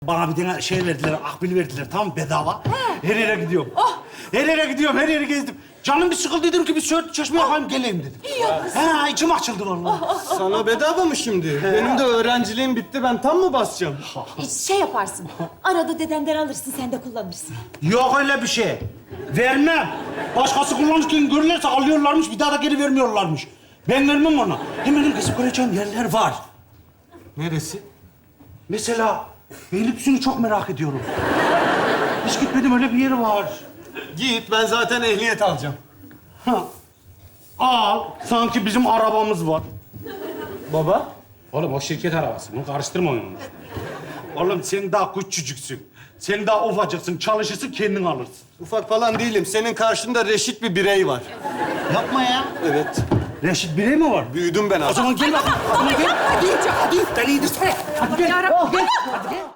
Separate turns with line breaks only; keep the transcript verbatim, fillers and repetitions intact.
Bana bir tane şey verdiler, akbil verdiler, tamam bedava. Her yere gidiyorum. Her yere gidiyorum, her yeri gezdim. Canım bir sıkıldı, dedim ki bir söğüt çeşmeye yapayım, geleyim dedim.
İyi yapmışsın.
Ha, içim açıldı vallahi.
Sana bedava mı şimdi? Benim de öğrenciliğim bitti. Ben tam mı basacağım?
Şey yaparsın. Arada dedenden alırsın, sen de kullanırsın.
Yok öyle bir şey. Vermem. Başkası kullanırken görürlerse alıyorlarmış, bir daha da geri vermiyorlarmış. Ben vermem ona. Hem benim kesip göreceğim yerler var.
Neresi?
Mesela Beylikdüzü'nü çok merak ediyorum. Hiç gitmedim, öyle bir yeri var.
Git, ben zaten ehliyet alacağım.
Ha. Al, sanki bizim arabamız var.
Baba?
Oğlum o şirket arabası, bunu karıştırma onu. Oğlum sen daha küçücüksün. Sen daha ufacıksın, çalışırsın kendin alırsın.
Ufak falan değilim. Senin karşında reşit bir birey var.
Yapma ya.
Evet.
Reşit birey mi var?
Büyüdüm ben
O
artık.
zaman gel bakalım. O zaman gel. Hadi, hadi. Beni indirsene. Hadi gel.
Yarabbim.
Gel. Hadi gel.